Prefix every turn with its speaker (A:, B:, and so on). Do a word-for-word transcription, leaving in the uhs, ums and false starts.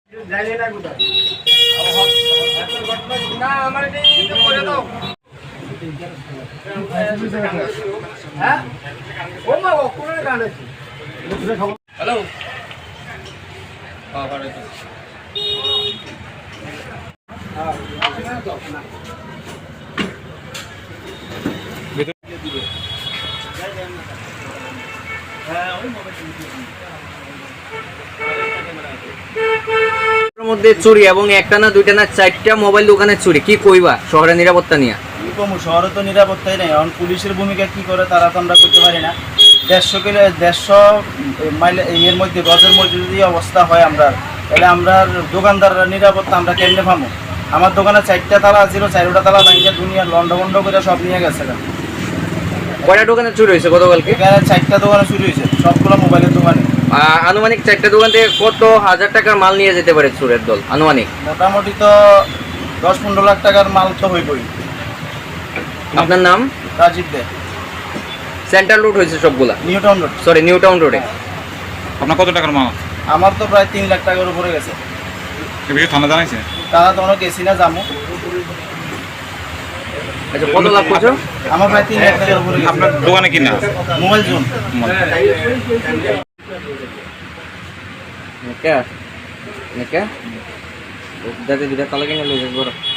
A: Hello মধ্যে চুরি এবং একটা না দুইটা না চারটা মোবাইল দোকানের চুরি, কি কইবা শহরের নিরাপত্তা নিয়ে?
B: কি কম, শহরে তো নিরাপত্তাই নেই। এখন পুলিশের ভূমিকা কি করে তারা তো আমরা করতে পারি না। দেড়শো কিলো দেড়শো মাইল এর মধ্যে গজের মধ্যে যদি অবস্থা হয় আমরা, তাহলে আমরা দোকানদাররা নিরাপত্তা আমরা কেমনে পাবো? আমার দোকানে চারটা তালা ছিল, চারটা তালা ভাঙিয়ে দুনিয়ার লন্ডভন্ড করে সব নিয়ে গেছে।
A: কয়টা দোকানে চুরি হয়েছে গতকালকে?
B: চারটা দোকানে চুরি হয়েছে, সবগুলো মোবাইলের দোকানে।
A: আনুমানিক চারটা দোকান থেকে কত হাজার টাকার মাল নিয়ে যেতে পারে চোরের দল? আনুমানিক
B: মোটামুটি তো দশ পনেরো লাখ টাকার মাল তো হইবই।
A: আপনার নাম?
B: রাজীব দে।
A: সেন্ট্রাল রোড হয়েছে সবগুলা?
B: New town road.
A: Sorry, new town রোডে।
C: আপনার কত টাকার মাল?
B: আমার তো প্রায় তিন লাখ টাকার উপরে গেছে।
C: থানা জানাইছে?
B: তারা তো অনেক গেছি না যাবো।
A: আচ্ছা, কত লাভ করছো?
B: আমার প্রায় তিন লাখ টাকার উপরে।
C: আপনার দোকানে কি না?
B: Mobile zone.
A: কে কে দাদা দুটা তালা কিনে লইছে বড়।